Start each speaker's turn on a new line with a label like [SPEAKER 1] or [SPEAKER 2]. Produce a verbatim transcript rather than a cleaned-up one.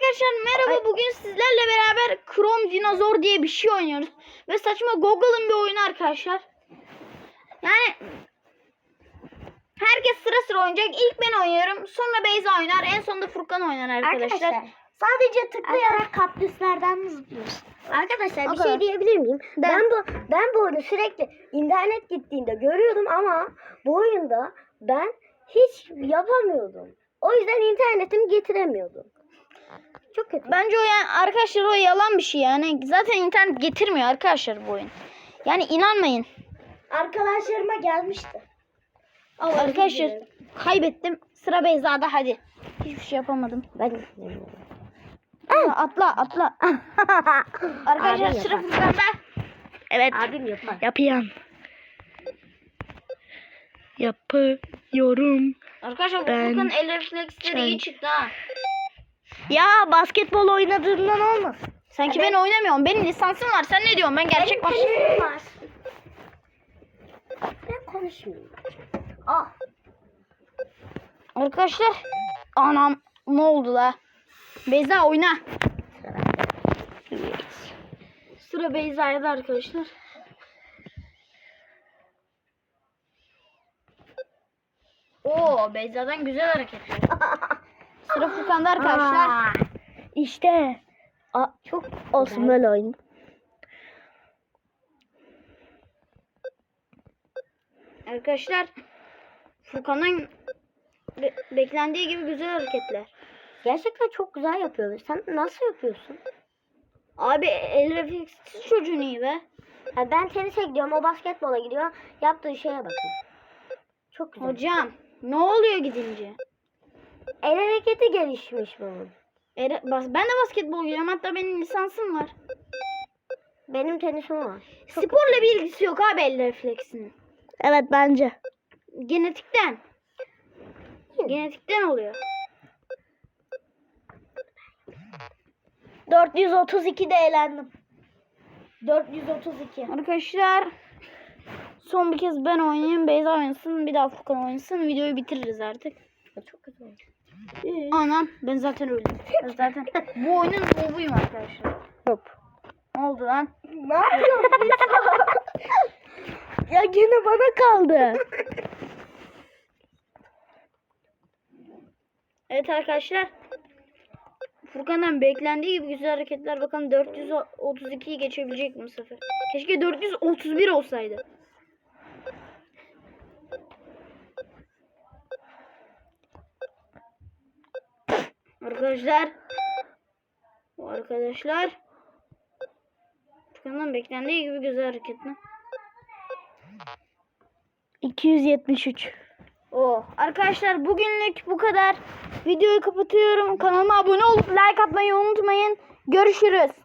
[SPEAKER 1] Arkadaşlar merhaba, bugün sizlerle beraber Chrome Dinozor diye bir şey oynuyoruz. Ve saçma Google'ın bir oyunu arkadaşlar. Yani herkes sıra sıra oynayacak. İlk ben oynuyorum, sonra Beyza oynar, en sonunda Furkan oynar arkadaşlar.
[SPEAKER 2] Arkadaşlar sadece tıklayarak kaktüslerden zıplıyoruz. Arkadaşlar bir
[SPEAKER 1] O kadar.
[SPEAKER 2] şey diyebilir miyim?
[SPEAKER 1] De.
[SPEAKER 2] Ben bu ben bu oyunu sürekli internet gittiğinde görüyordum ama bu oyunda ben hiç yapamıyordum. O yüzden internetimi getiremiyordum. Çok kötü.
[SPEAKER 1] Bence o yani arkadaşlar o yalan bir şey yani. Zaten internet getirmiyor arkadaşlar bu oyun. Yani inanmayın.
[SPEAKER 2] Arkadaşlarıma gelmişti. Ama
[SPEAKER 1] Arkadaşlar
[SPEAKER 2] özür dilerim.
[SPEAKER 1] kaybettim. Sıra Beyza'da, hadi. Hiçbir şey yapamadım.
[SPEAKER 2] Ben istemiyorum.
[SPEAKER 1] Atla atla. atla. Arkadaşlar
[SPEAKER 2] Abim
[SPEAKER 1] sıra
[SPEAKER 2] yapar.
[SPEAKER 1] Furkan'da. Evet.
[SPEAKER 2] Abim yapar.
[SPEAKER 1] Yapıyorum. Yapıyorum. Arkadaşlar
[SPEAKER 2] Ben-
[SPEAKER 1] Furkan'ın el refleksleri iyi çıktı ha.
[SPEAKER 2] Ya basketbol oynadığından olmaz.
[SPEAKER 1] Sanki
[SPEAKER 2] Evet.
[SPEAKER 1] ben oynamıyorum. Benim lisansım var. Sen ne diyorsun? Ben gerçek baş...
[SPEAKER 2] Benim var. Ben konuşmayayım. Ah.
[SPEAKER 1] Arkadaşlar. Anam ne oldu la? Beyza oyna. Sıra Beyza'da arkadaşlar. Oo, Beyza'dan güzel hareketler. Sıra Furkan'da arkadaşlar.
[SPEAKER 2] Aa, İşte. Aa, çok olsun böyle oyun.
[SPEAKER 1] Arkadaşlar Furkan'ın be- beklendiği gibi güzel hareketler.
[SPEAKER 2] Gerçekten çok güzel yapıyor. Sen nasıl yapıyorsun?
[SPEAKER 1] Abi el refleksiz çocuğun iyi be.
[SPEAKER 2] Ha, ben tenise gidiyorum, o basketbola gidiyor. Yaptığı şeye bakın. Çok güzel.
[SPEAKER 1] Hocam ne oluyor gidince?
[SPEAKER 2] El hareketi gelişmiş bunun.
[SPEAKER 1] Ere- bas- ben de basketbol oynuyorum, hatta benim lisansım var.
[SPEAKER 2] Benim tenisim var. Çok
[SPEAKER 1] Sporla bir ilgisi yok abi el refleksinin.
[SPEAKER 2] Evet bence.
[SPEAKER 1] Genetikten. Genetikten oluyor.
[SPEAKER 2] dört yüz otuz ikide elendim. dört yüz otuz iki.
[SPEAKER 1] Arkadaşlar son bir kez ben oynayayım, Beyza oynasın, bir daha Furkan oynasın, videoyu bitiririz artık.
[SPEAKER 2] Çok güzel.
[SPEAKER 1] Anam ben zaten öldüm. Ben zaten bu oyunun novuyum arkadaşlar.
[SPEAKER 2] Hop.
[SPEAKER 1] Ne oldu lan?
[SPEAKER 2] Ne yapıyorsun? Ya gene bana kaldı.
[SPEAKER 1] Evet arkadaşlar. Furkan'dan beklendiği gibi güzel hareketler. Bakalım dört yüz otuz ikiyi geçebilecek mi bu sefer? Keşke dört yüz otuz bir olsaydı. Arkadaşlar. Arkadaşlar. Furkan'dan beklendiği gibi güzel hareketler.
[SPEAKER 2] iki yüz yetmiş üç.
[SPEAKER 1] Oh. Arkadaşlar bugünlük bu kadar. Videoyu kapatıyorum. Kanalıma abone olup like atmayı unutmayın. Görüşürüz.